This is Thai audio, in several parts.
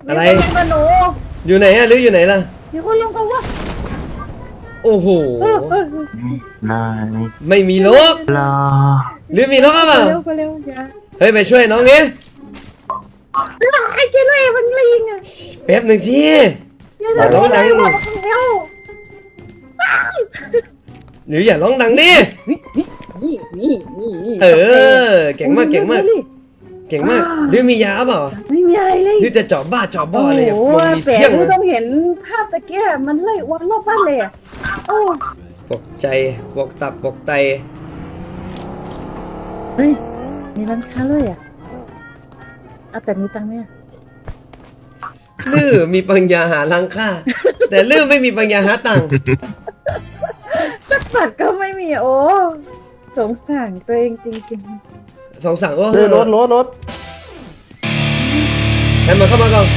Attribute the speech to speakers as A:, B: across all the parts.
A: อะไร
B: มีคนลงกับหนู
A: อยู่ไหนอะหรืออยู่ไหนล่ะ
B: มีคนลงกับวะ
A: โอ้โห
C: นาย
A: ไม่มีนก
C: ลา
A: หรือมีนกหรือเปล่า
B: เร็วเร็วอย่า
A: เฮ้ยไปช่วยน้องนี้
B: ไอ้เจเล่มันลิงอ่ะ
A: แป๊บหนึ่งชี้
B: เร็วเร็ว
A: ร้องดัง
B: เร็วเร็ว
A: หรืออย่าร้องดังดิ
B: นี่
A: เออเก่งมากเก่งมากเก่งมากหรือมียาเปล่า
B: ไม่มีอะไรเลย
A: หรือจะเจาะบ้าเจาะบ่อ
B: โอ้
A: เลย
B: โห
A: มันมี
B: แส
A: เพี้ย
B: ง
A: ง
B: ไม่
A: นะ
B: ต้องเห็นภาพตะเกียบมันไล่วันรอบบ้านเลยอ่ะโอ้
A: ปกใจปกตับปกไต
B: เฮ้ยมีร้านค้าเลยอ่ะเอาแต่มีตังค์ไหม
A: ลือมีปัญญาหารังค่า แต่ลือไม่มีปัญญาหาตังค์
B: สักบาทก็ไม่มีโอ้สงสารตัวเองจริง
A: สองสั่งว่า
D: เฮ้ยรถ
A: ให้มันเข้ามาก่อน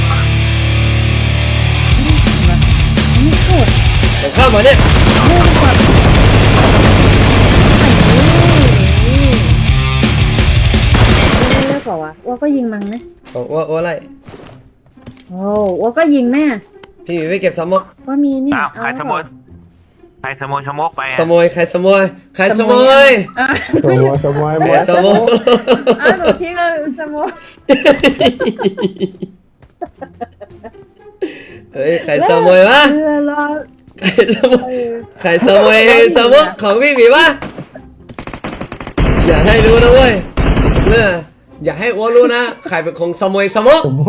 B: ๆนี่โคตร
A: มันเข้ามาเนี่ย
B: เรื่องก่อนนี่เลิกเปล่าวะว่าก็ยิงมังนะ
A: บอกว่าอะไร
B: โอ้ว่าก็ยิงแม่
A: พี่หมีไปเก็บสมก
B: ว่ามีเนี่ย
C: อ้าวใครขโมยใครขโมยชะมกไป
A: สมยใครสมยใครสมย
B: อ่ะ
D: สมอยสมอย
A: ใครสมย
B: อ่ะหนูทิ้งเลยสมอง
A: เฮ้ยใครสมยวะ
B: รอ
A: ใครสมยใครสมยสมกของพี่หมีวะอย่าให้รู้นะเว้ยเนี่ยอย่าให้อ้วนรู้นะใครเป็นของสมยสมก
D: สมอย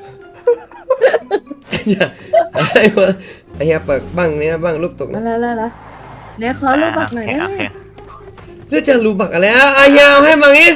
A: อย่าให้อ้วนไอ้เหี้ยเปิดบ้างนี่นะบ้างลูกตก
B: มา
A: นะ
B: แล้วเนี่ยขอรูปบักหน่อยได้
C: โอ
B: ไหม
C: เค
A: เรื่องจะรู้บักอะไรอ่ะไอ้เหี้ยเอาให้มางี้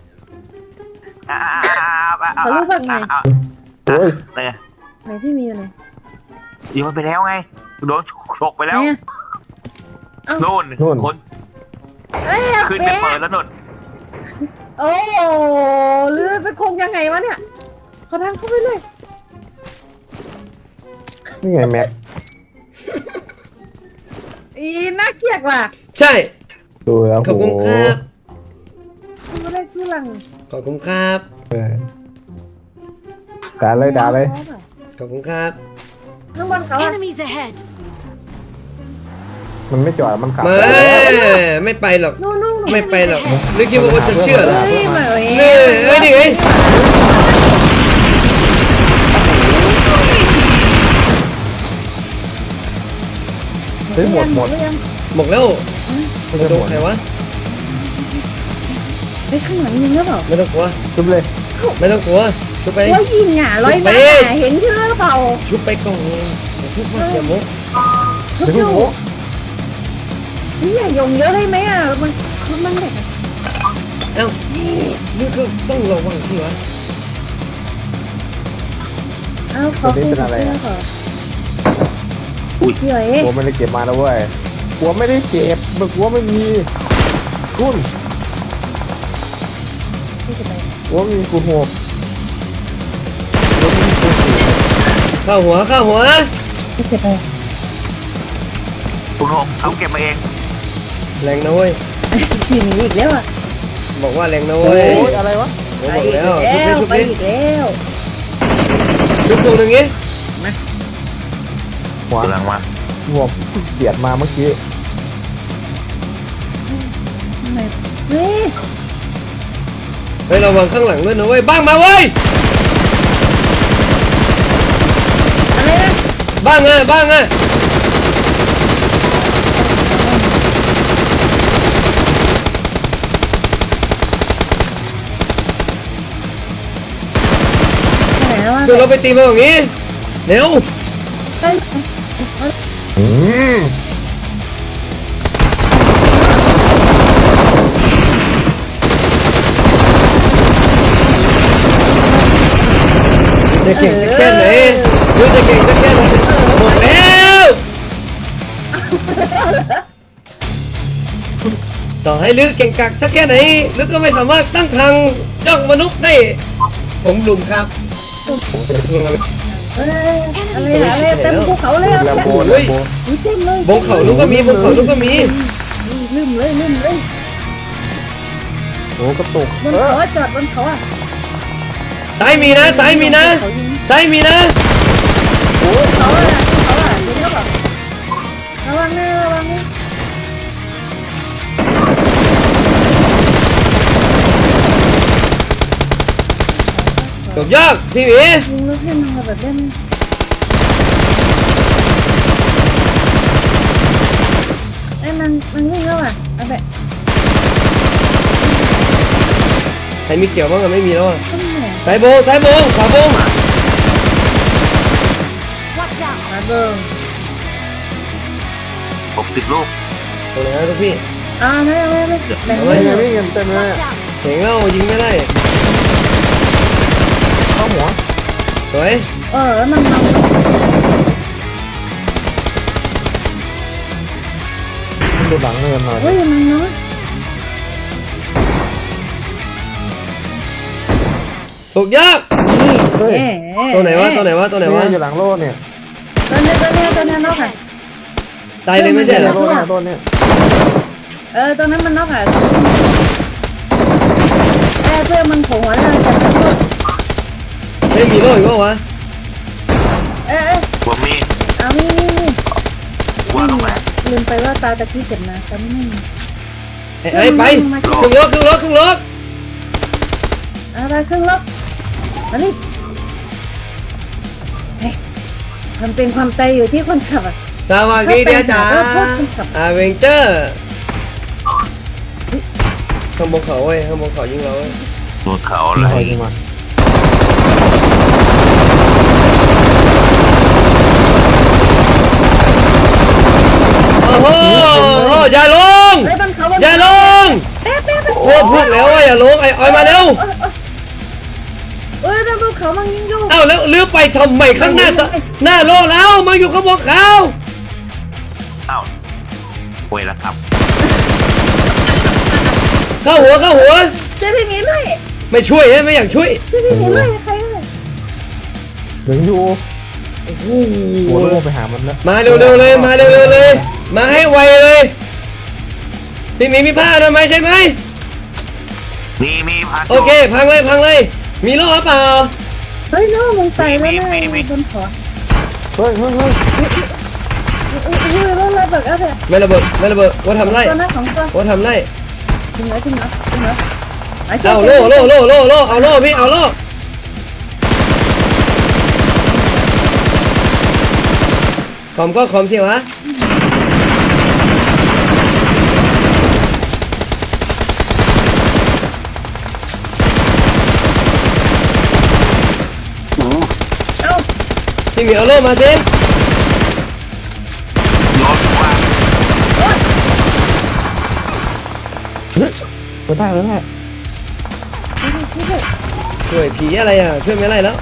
C: โอ้ย
D: โอ้ย
B: ไหนพี่มีอยู่ไหน
C: ยิงมันไปแล้วไงโดนฉกไปแล้ว
B: เนี่ย
C: โน่นคน
B: เอ้ย
C: ขึ้น
B: เป๊
C: ไปเปิดแล้วโน่น
B: โอ้หรือเป็นคงยังไงวะเนี่ยขอทางเข้าไปเลย
D: นี่ไงแม็ก
B: อีน่าเกลียดว่ะ
A: ใช่
D: ดูแล้ว
A: ขอบคุณครับ
B: ไม่ได้คือหลัง
A: ขอบคุณครับ
D: ด่าเลย
A: ขอบคุณครับ
B: ข้างบนเขาอะ
E: Enemies ahead!
D: มันไม่จอดมันขับ
A: ไม่ไปหรอก
B: นู่น
A: ไม่ไปหรอกหรือคิดว่าจะเชื่อเหรอ
B: เฮ้ยเหมือน
A: นี่เอ้ยนี่ไง
D: เฮ้ยหมด
A: หมดแล้ว
D: ไม่ใช่
A: โด
D: หม
A: น
D: ด
A: ใครวะ
B: เฮ้ยข้างหลังยิงหรือเปล่า
A: ไม่ต้องกลัว
D: จุบเลย
A: ไม่ต้องกลัวชุบไป
B: ว่ายิงอ่ะร้อยนัดอ่ะเห็นชื่อหรือเปล่า
A: ชุบไปก่อนชุบมาเสียมุก
B: ทุก
D: เดี๋ยว
B: อ
D: พี่
B: ยู่
D: โอ้
B: นี่อย่ายงเยอะได้ไหมอ่ะมันเด็ก
A: เอ้านี่ก็ต้องระวังสิวะ
B: เอ้าเขาพี่เอ๋
D: กลัวไม่ได้เก็บมาแล้วเว้ยกลัวไม่ได้เก็บมึงกลัวไม่มีคุณ
B: พี่จะไป
D: กลัวไม่มีคุณโหก
A: เข้าหัว
B: พี่จะไป
C: คุณหงเขาเก็บมาเอง
A: แรงนะเว้ย
B: ขี่หนีอีกแล้วอ่ะ
A: บอกว่าแรงนะ
D: โอ้
A: เว้ย
D: ยอะไรวะ
A: ผม
B: ไป
A: บอก
B: อีก
A: แล้ว
B: แล้ว
A: ชุบ
B: ไป
A: ดิ
B: อีกแล้ว
A: ชุบตรงนึงงี้
D: หัว
C: กำลังมา
D: หัวเสียดมาเมื่อกี้
B: เฮ้ย
A: เฮ้ยระวังข้างหลังด้วยนะเว้ยบ้างมาเว้ย
B: อะไรนะ
A: บ้างอ่ะ
B: ไหนแล้ววะ
A: เดี๋ยวเราไปตีมันอย่างงี้เร็ว
D: อืม
A: จะเก่งสักแค่ไหนรู้จะเก่งสักแค่ไหนหมดแล้วต่อให้ลึกเก่งกักสักแค่ไหนลึกก็ไม่สามารถตั้งทางจ้องมนุษย์ได้ผมลุมครับ
B: อะไรเต็มภูเขาเลย
D: แลมโบ
A: เฮ้ย
B: เต็มเลย
A: บงเขาลูกก็มีบงเขาลูกก็มี
B: ลืมเลย
D: โอ้กระตุก
B: บนเขาจอดบนเขาอ่ะ
A: ซ้ายมีนะซ้ายมีนะ
B: เขายิง
A: ซ้ายมีนะ
B: เขาอะเดี๋ยวแบบระวังนะระวังนะ
A: สุดยอดพี่หมี
B: ยิงลูกให้มันแบบเล่นไอ้มันวิ่งแล้วอ่ะเอาแบบ
A: ใครมีเกี่ยวบ้างอะไม่มีแล้วอะ
B: ต้นแหน่
A: ซ้ายโบขวาโบ
B: มาเบิ้ง
C: 60 ลูก
A: ตรงไหนนะทุกพี่
B: ไม่แบ่ง
A: เอา
B: ไว้
A: ไว้
D: วิ่งกันเต็มเลย
A: เห็นแล้วยิงไม่ได้
D: เข้าหัว
A: สวย
B: แล้วมัน
D: ดูหลังเงินหน่อย
B: เฮ้ยมันเนาะ
A: สุดยอด
D: เฮ้ย
A: ตัวไหนวะ
D: เนี่ยอยู่หลังโล่เนี่ย
B: ตัวนี้นอกค่ะ
A: ตายเลยไม่ใช่เหรอ
D: โล่เนี่ยต้นเนี่ย
B: ตัวนั้นมันนอกค่ะเพื่อมันโผล่หัวแล้วจะ
A: ไม่มีโล่อีกวะ
C: ผมมี
B: เอานี่
C: ว่าลงไหน
B: ลืมไปว่าตาตะกี้เจ็บนะตอนนี้ไม่มี
A: ไอ้ไปขึ้นรถ
B: ไปครึ่งลบมานี่มันเป็นความใจอยู่ที่คนขับอ่ะ
A: สวัสดีเดียจ๋า
B: โทษคนขับ
A: อาเวนเจอร์ข้างบนเขาเว้ยข้างบนเขายิงเราเว้ย
C: บนเขาอะไร
D: คอยยิงมา
A: โอ้โหอย่าลง
B: ไอ้บนเขา
A: อย่าลงโอ้พูดแล้วว่าอย่าลงไอ้ออยมาเร็ว
B: บนเขามันยิงอยู่
A: เอ้าแล้วลื้อไปทำไมข้างหน้าโลแล้วมาอยู่ข้างบนเขา
C: เอ้าป่วยแล้วครับ
A: เข้าหัว
B: เจ๊พี่หมีไม่
A: ไม่ช่วยไม่อยากช่วย
B: เจ๊พี่หมีไม่ใครเลย
D: ถึงอยู่
A: โอ้โห
D: หัวโล่ไปหามันแล้ว
A: มาเร็วเลยมาเร็วเลย มาให้ไวเลยพี่มีผ้าทำไมยใช่ไหม
C: มีพัก
A: โอเคพังเลยมีโล่หรือเปล่า
B: เฮ้ยน้องมึงใส่แล้วนะบนขอ
D: เฮ้ย
B: รถระเบิดอะไร
A: ไม่ระเบิดว่าทำไร
B: ตัวนั้นของตัว
A: ว่าทำไร
B: ถึงแล้ว
A: เอาโล่เอาโล่พี่เอาโล่ขอมก็ขอมสิวะ
B: เอ้า
A: พี่มีเอาโล่มาสิ
C: โยนว่า
D: ไม่ได้
A: ช่วยผีอะไรอ่ะช่วยไม่ไรแล้ว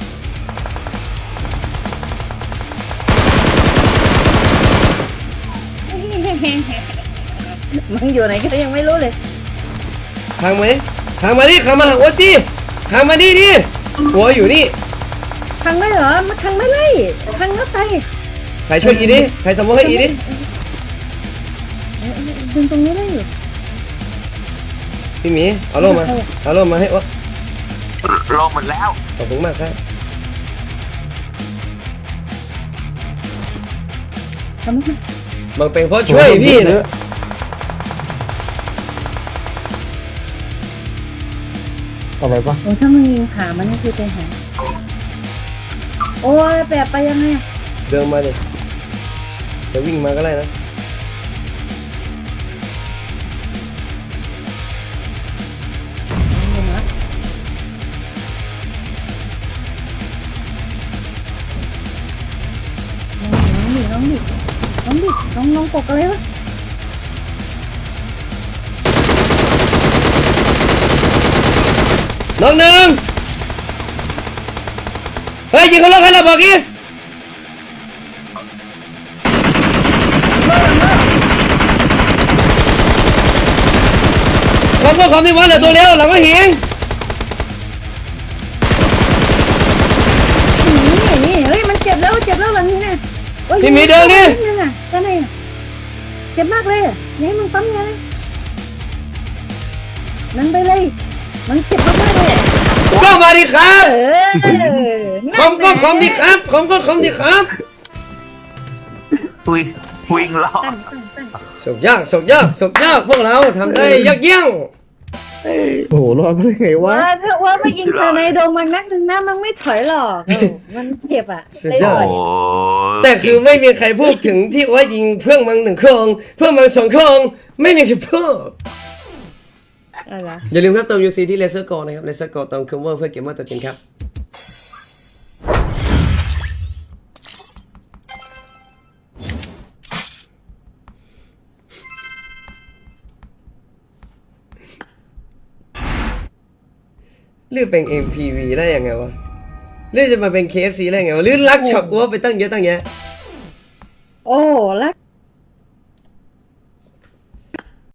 B: มึงอยู่ไหนก็ยังไม่รู้เลย
A: ทางมาดิทางมาหาโอ๊ตดิทางมาดิหัวอยู่นี่
B: ทางไม่เหรอมาทางไม่เลยทางนัดไป
A: ใครช่วยอีดิใครสมมติให้อีดิ
B: ดึงตรงนี้ได้อยู่
A: พี่หมีเอาโล่มาให้โอ๊ต
C: ลงหมดแล้ว
A: ขอบคุณมากครับ
B: ทำไม
A: บางเป็นเพราะช่วยพี่นะ
D: อะไรปะ
B: โอ้ถ้ามึงยิงขามันนี่คือใจหายโอ้ยแปะไปยังไง
A: เดินมาดิจะวิ่งมาก็ได้นะ
B: น้องปกอะไรวะ
A: น้องหนึ่งเฮ้ยยิงเขาล็อกให้เราบอกอีความที่วันเหลือตัวเร็วหลังก็หิง
B: นี่เฮ้ยมันเจ็บแล้วหลังนี้นะ
A: ที่มีเดินนี่
B: ใช่ไหมเจ็บมากเลยนี่มึงปั๊มยังไงนั่นไปเลยมันเจ็บมากเลย
A: ก็มาดิครับ
B: เออ
A: ผมก็ผมดิครับผมก็ผมดิครับ
C: วิ่งรอ
B: ตั้ง
A: สุกยากสุกยากสุกยากพวกเราทำได้ยากเยี่ยง
D: โอ้โหรอดมาได้ไงวะ
B: ว่าถ้าว่าไม่ยิงสไนโดนมันนักหนึ่งนะมันไม่ถอยหรอกมันเจ็บอ่ะ
A: สุด
B: เลย
A: ยอ
B: ถ
A: ด
B: อย
C: โอ้
A: แต่คือไม่มีใครพูดถึงที่ว่ายิงเพื่อนมัน1 เครื่องเพื่อนมัน2 เครื่องไม่มีใครพูด
B: อะไร
A: อย่าลืมครับเติม UC ที่ Laser Go นะครับ Laser Go เติมคัมเวอร์เพื่อเกมเมอร์ตัวจริงครับเลือกเป็น MPV ได้ยังไงวะเลือกจะมาเป็น KFC ได้ยังไงวะหรือรักช็อกวัวไปตั้งเยอะตั้งแยะ
B: โอ้รัก